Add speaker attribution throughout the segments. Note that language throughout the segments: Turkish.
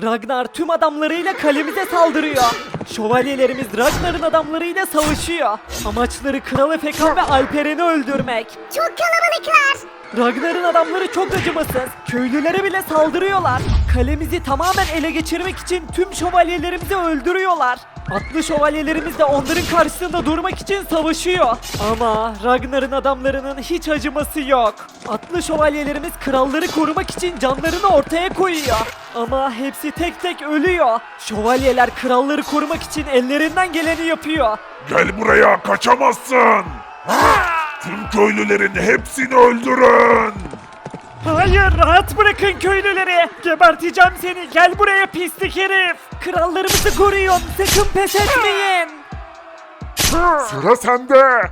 Speaker 1: Ragnar tüm adamlarıyla kalemize saldırıyor. Şövalyelerimiz Ragnar'ın adamlarıyla savaşıyor. Amaçları Kral Efekan ve Alperen'i öldürmek.
Speaker 2: Çok kalabalıklar.
Speaker 1: Ragnar'ın adamları çok acımasız. Köylülere bile saldırıyorlar. Kalemizi tamamen ele geçirmek için tüm şövalyelerimizi öldürüyorlar. Atlı şövalyelerimiz de onların karşısında durmak için savaşıyor. Ama Ragnar'ın adamlarının hiç acıması yok. Atlı şövalyelerimiz kralları korumak için canlarını ortaya koyuyor. Ama hepsi tek tek ölüyor. Şövalyeler kralları korumak için ellerinden geleni yapıyor.
Speaker 3: Gel buraya, kaçamazsın. Tüm köylülerin hepsini öldürün.
Speaker 1: Hayır, rahat bırakın köylüleri. Geberteceğim seni. Gel buraya pislik herif. Krallarımızı koruyun. Sakın pes etmeyin.
Speaker 3: Sıra sende.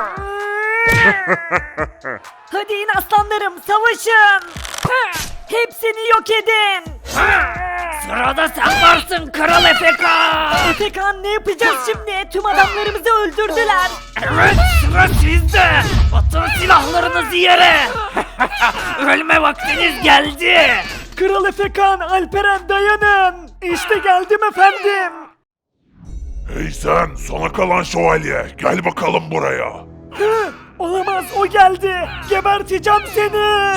Speaker 1: Hadi in aslanlarım, savaşın. Hepsini yok edin.
Speaker 4: Sırada sen varsın Kral Efekan.
Speaker 1: Efekan, ne yapacağız şimdi? Tüm adamlarımızı öldürdüler.
Speaker 4: Evet, sıra sizde. Atın silahlarınızı yere. Ölme vaktiniz geldi.
Speaker 1: Kral Efekan, Alperen dayanın. İşte geldim efendim.
Speaker 3: Hey sen, sona kalan şövalye, gel bakalım buraya.
Speaker 1: Olamaz, o geldi. Geberteceğim seni.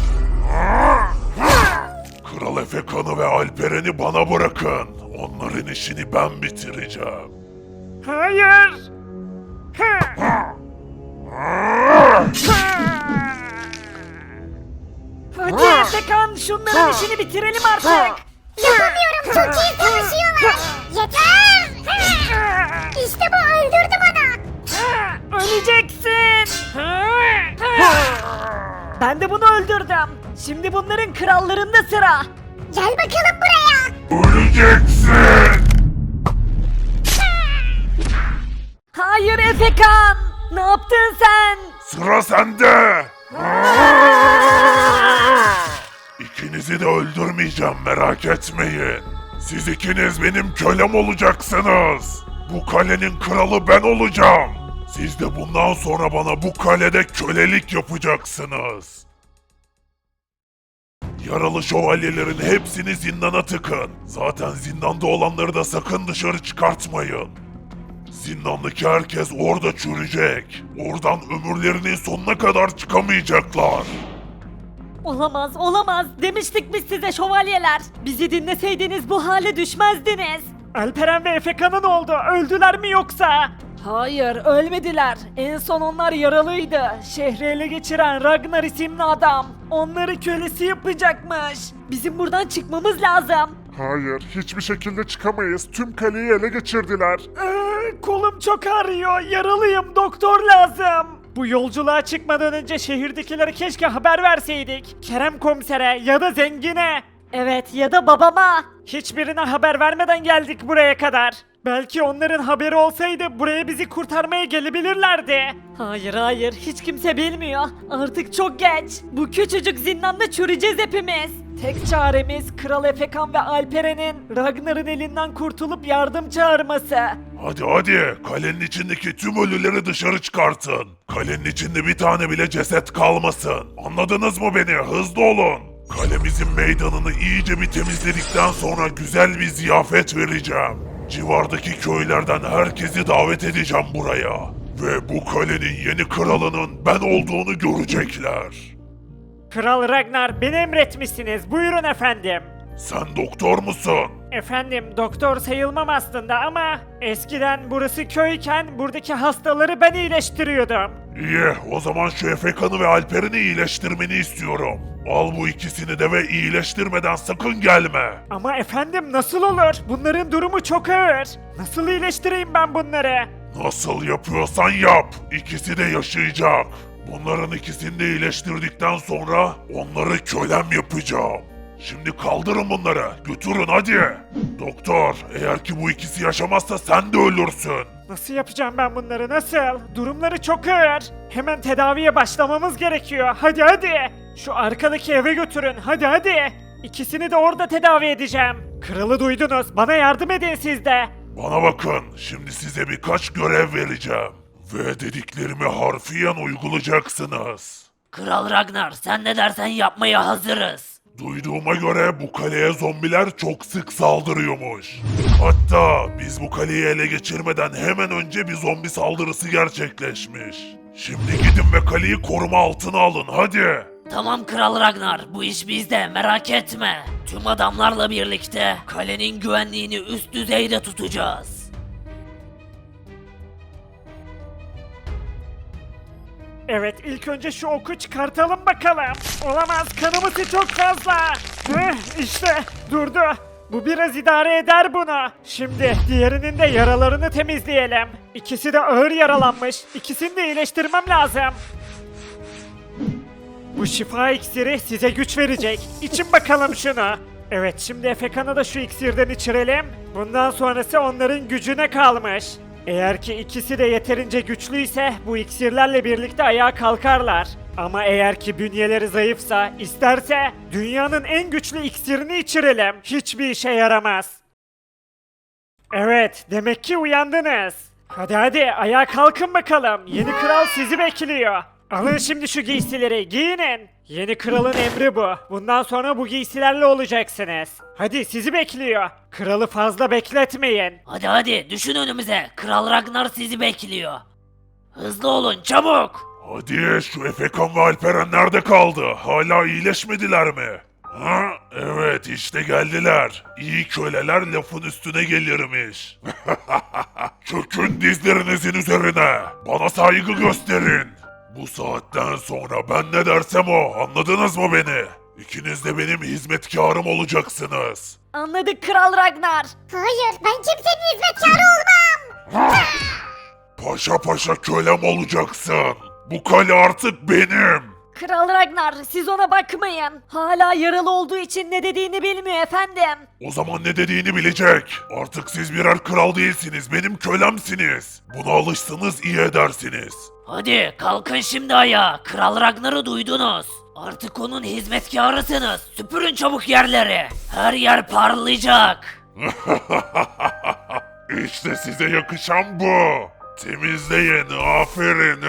Speaker 3: Kral Efekan'ı ve Alperen'i bana bırakın. Onların işini ben bitireceğim.
Speaker 1: Hayır. Hadi Efekan, şunların işini bitirelim artık.
Speaker 2: Yapamıyorum, çok iyi savaşıyorlar. Yeter. İşte bu, öldürdü bana.
Speaker 1: Öleceksin. Ben de bunu öldürdüm. Şimdi bunların krallarında sıra.
Speaker 2: Gel bakalım buraya.
Speaker 3: Öleceksin!
Speaker 1: Hayır Efekan. Ne yaptın sen?
Speaker 3: Sıra sende! İkinizi de öldürmeyeceğim, merak etmeyin. Siz ikiniz benim kölem olacaksınız. Bu kalenin kralı ben olacağım. Siz de bundan sonra bana bu kalede kölelik yapacaksınız. Yaralı şövalyelerin hepsini zindana tıkın. Zaten zindanda olanları da sakın dışarı çıkartmayın. Zindandaki herkes orada çürüyecek. Oradan ömürlerinin sonuna kadar çıkamayacaklar.
Speaker 1: Olamaz, olamaz. Demiştik biz size şövalyeler. Bizi dinleseydiniz bu hale düşmezdiniz. Alperen ve Efekan'ın oldu. Öldüler mi yoksa? Hayır, ölmediler. En son onlar yaralıydı. Şehri ele geçiren Ragnar isimli adam. Onları kölesi yapacakmış. Bizim buradan çıkmamız lazım.
Speaker 5: Hayır, hiçbir şekilde çıkamayız. Tüm kaleyi ele geçirdiler.
Speaker 1: Kolum çok ağrıyor. Yaralıyım. Doktor lazım. Bu yolculuğa çıkmadan önce şehirdekilere keşke haber verseydik. Kerem komisere ya da zengine. Evet, ya da babama. Hiçbirine haber vermeden geldik buraya kadar. Belki onların haberi olsaydı buraya bizi kurtarmaya gelebilirlerdi. Hayır hayır, hiç kimse bilmiyor. Artık çok geç. Bu küçücük zindanda çürüyeceğiz hepimiz. Tek çaremiz Kral Efekan ve Alperen'in Ragnar'ın elinden kurtulup yardım çağırması.
Speaker 3: Hadi, kalenin içindeki tüm ölüleri dışarı çıkartın. Kalenin içinde bir tane bile ceset kalmasın. Anladınız mı beni? Hızlı olun. Kalemizin meydanını iyice bir temizledikten sonra güzel bir ziyafet vereceğim. Civardaki köylerden herkesi davet edeceğim buraya. Ve bu kalenin yeni kralının ben olduğunu görecekler.
Speaker 1: Kral Ragnar, beni emretmişsiniz. Buyurun efendim.
Speaker 3: Sen doktor musun?
Speaker 1: Efendim, doktor sayılmam aslında ama eskiden burası köyken buradaki hastaları ben iyileştiriyordum.
Speaker 3: İyi, o zaman şu Efekan'ı ve Alper'ini iyileştirmeni istiyorum. Al bu ikisini de ve iyileştirmeden sakın gelme.
Speaker 1: Ama efendim, nasıl olur? Bunların durumu çok ağır. Nasıl iyileştireyim ben bunları?
Speaker 3: Nasıl yapıyorsan yap. İkisi de yaşayacak. Bunların ikisini de iyileştirdikten sonra onları kölem yapacağım. Şimdi kaldırın bunları. Götürün hadi. Doktor, eğer ki bu ikisi yaşamazsa sen de ölürsün.
Speaker 1: Nasıl yapacağım ben bunları, nasıl? Durumları çok ağır. Hemen tedaviye başlamamız gerekiyor. Hadi. Şu arkadaki eve götürün. Hadi. İkisini de orada tedavi edeceğim. Kralı duydunuz. Bana yardım edin siz de.
Speaker 3: Bana bakın, şimdi size birkaç görev vereceğim. Ve dediklerimi harfiyen uygulayacaksınız.
Speaker 4: Kral Ragnar, sen ne dersen yapmaya hazırız.
Speaker 3: Duyduğuma göre bu kaleye zombiler çok sık saldırıyormuş. Hatta biz bu kaleyi ele geçirmeden hemen önce bir zombi saldırısı gerçekleşmiş. Şimdi gidin ve kaleyi koruma altına alın hadi.
Speaker 4: Tamam Kral Ragnar, bu iş bizde, merak etme. Tüm adamlarla birlikte kalenin güvenliğini üst düzeyde tutacağız.
Speaker 1: Evet, ilk önce şu oku çıkartalım bakalım. Olamaz, kanımızı çok fazla. İşte durdu. Bu biraz idare eder bunu. Şimdi diğerinin de yaralarını temizleyelim. İkisi de ağır yaralanmış. İkisini de iyileştirmem lazım. Bu şifa iksiri size güç verecek. İçin bakalım şunu. Evet, şimdi Efekan'a da şu iksirden içirelim. Bundan sonrası onların gücüne kalmış. Eğer ki ikisi de yeterince güçlüyse bu iksirlerle birlikte ayağa kalkarlar. Ama eğer ki bünyeleri zayıfsa, isterse dünyanın en güçlü iksirini içirelim. Hiçbir işe yaramaz. Evet, demek ki uyandınız. Hadi hadi ayağa kalkın bakalım. Yeni kral sizi bekliyor. Alın şimdi şu giysileri, giyinin. Yeni kralın emri bu. Bundan sonra bu giysilerle olacaksınız. Hadi sizi bekliyor. Kralı fazla bekletmeyin.
Speaker 4: Hadi hadi, düşün önümüze. Kral Ragnar sizi bekliyor. Hızlı olun, çabuk.
Speaker 3: Hadi şu Efekan ve Alperen nerede kaldı? Hala iyileşmediler mi? Ha? Evet işte geldiler. İyi köleler lafın üstüne gelirmiş. Çökün dizlerinizin üzerine. Bana saygı gösterin. Bu saatten sonra ben ne dersem o. Anladınız mı beni? İkiniz de benim hizmetkarım olacaksınız.
Speaker 2: Anladık Kral Ragnar. Hayır, ben kimsenin hizmetkarı olmam.
Speaker 3: Paşa paşa kölem olacaksın. Bu kale artık benim.
Speaker 2: Kral Ragnar, siz ona bakmayın. Hala yaralı olduğu için ne dediğini bilmiyor efendim.
Speaker 3: O zaman ne dediğini bilecek. Artık siz birer kral değilsiniz, benim kölemsiniz. Buna alışsanız iyi edersiniz.
Speaker 4: Hadi kalkın şimdi ayağa. Kral Ragnar'ı duydunuz. Artık onun hizmetkarısınız. Süpürün çabuk yerleri. Her yer parlayacak.
Speaker 3: İşte size yakışan bu. Temizleyin, aferin.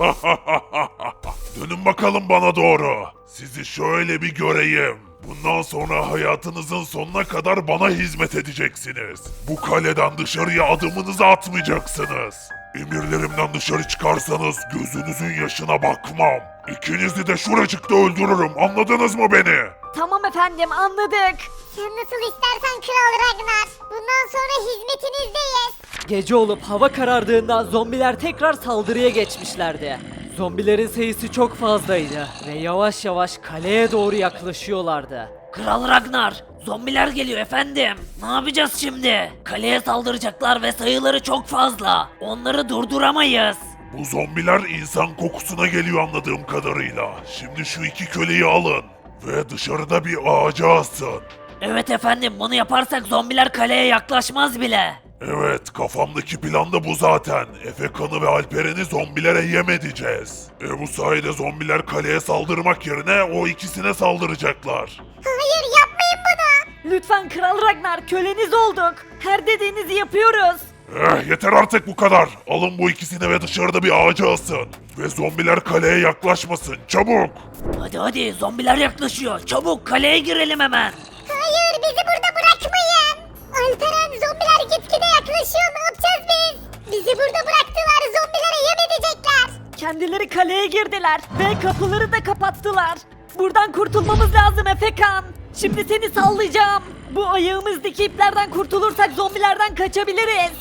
Speaker 3: Dönün bakalım bana doğru. Sizi şöyle bir göreyim. Bundan sonra hayatınızın sonuna kadar bana hizmet edeceksiniz. Bu kaleden dışarıya adımınızı atmayacaksınız. Emirlerimden dışarı çıkarsanız gözünüzün yaşına bakmam. İkinizi de şuracıkta öldürürüm. Anladınız mı beni?
Speaker 2: Tamam efendim, anladık. Sen nasıl istersen Kral Ragnar. Bundan sonra hizmetinizdeyiz.
Speaker 6: Gece olup hava karardığında zombiler tekrar saldırıya geçmişlerdi. Zombilerin sayısı çok fazlaydı ve yavaş yavaş kaleye doğru yaklaşıyorlardı.
Speaker 4: Kral Ragnar, zombiler geliyor efendim. Ne yapacağız şimdi? Kaleye saldıracaklar ve sayıları çok fazla. Onları durduramayız.
Speaker 3: Bu zombiler insan kokusuna geliyor anladığım kadarıyla. Şimdi şu iki köleyi alın ve dışarıda bir ağaca asın.
Speaker 4: Evet efendim, bunu yaparsak zombiler kaleye yaklaşmaz bile.
Speaker 3: Evet, kafamdaki plan da bu zaten. Efekan'ı ve Alperen'i zombilere yem edeceğiz. Bu sayede zombiler kaleye saldırmak yerine o ikisine saldıracaklar.
Speaker 2: Hayır, yapmayın bunu.
Speaker 6: Lütfen Kral Ragnar, köleniz olduk. Her dediğinizi yapıyoruz.
Speaker 3: Yeter artık bu kadar. Alın bu ikisini ve dışarıda bir ağaca asın. Ve zombiler kaleye yaklaşmasın, çabuk.
Speaker 4: Hadi hadi, zombiler yaklaşıyor. Çabuk kaleye girelim hemen.
Speaker 2: Hayır, bizi burada bırakmayın. Alperen, zombiler gitgide yaklaşıyor. Ne yapacağız biz? Bizi burada bıraktılar. Zombilere yem edecekler.
Speaker 6: Kendileri kaleye girdiler ve kapıları da kapattılar. Buradan kurtulmamız lazım Efekan. Şimdi seni sallayacağım. Bu ayağımızdaki iplerden kurtulursak zombilerden kaçabiliriz.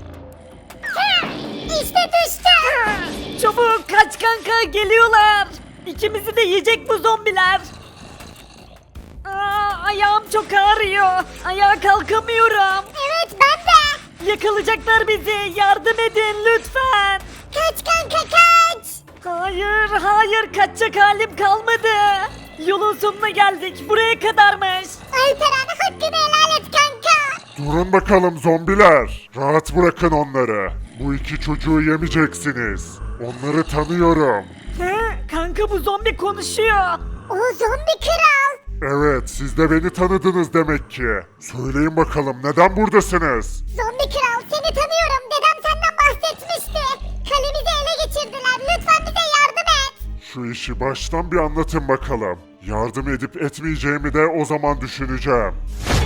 Speaker 2: İşte düştü.
Speaker 6: Çabuk kaç kanka, geliyorlar. İkimizi de yiyecek bu zombiler. Ayağım çok ağrıyor. Ayağa kalkamıyorum.
Speaker 2: Evet, ben de.
Speaker 6: Yakalayacaklar bizi. Yardım edin lütfen.
Speaker 2: Kaç kanka, kaç.
Speaker 6: Hayır, hayır, kaçacak halim kalmadı. Yolun sonuna geldik. Buraya kadarmış.
Speaker 2: Alperen, hakkını helal et kanka.
Speaker 5: Durun bakalım zombiler. Rahat bırakın onları. Bu iki çocuğu yemeyeceksiniz. Onları tanıyorum.
Speaker 6: He, kanka bu zombi konuşuyor.
Speaker 2: O zombi kral.
Speaker 5: Evet, siz de beni tanıdınız demek ki. Söyleyin bakalım neden buradasınız?
Speaker 2: Zombi kral, seni tanıyorum. Dedem senden bahsetmişti. Kalemizi ele geçirdiler. Lütfen bize yardım et.
Speaker 5: Şu işi baştan bir anlatın bakalım. Yardım edip etmeyeceğimi de o zaman düşüneceğim.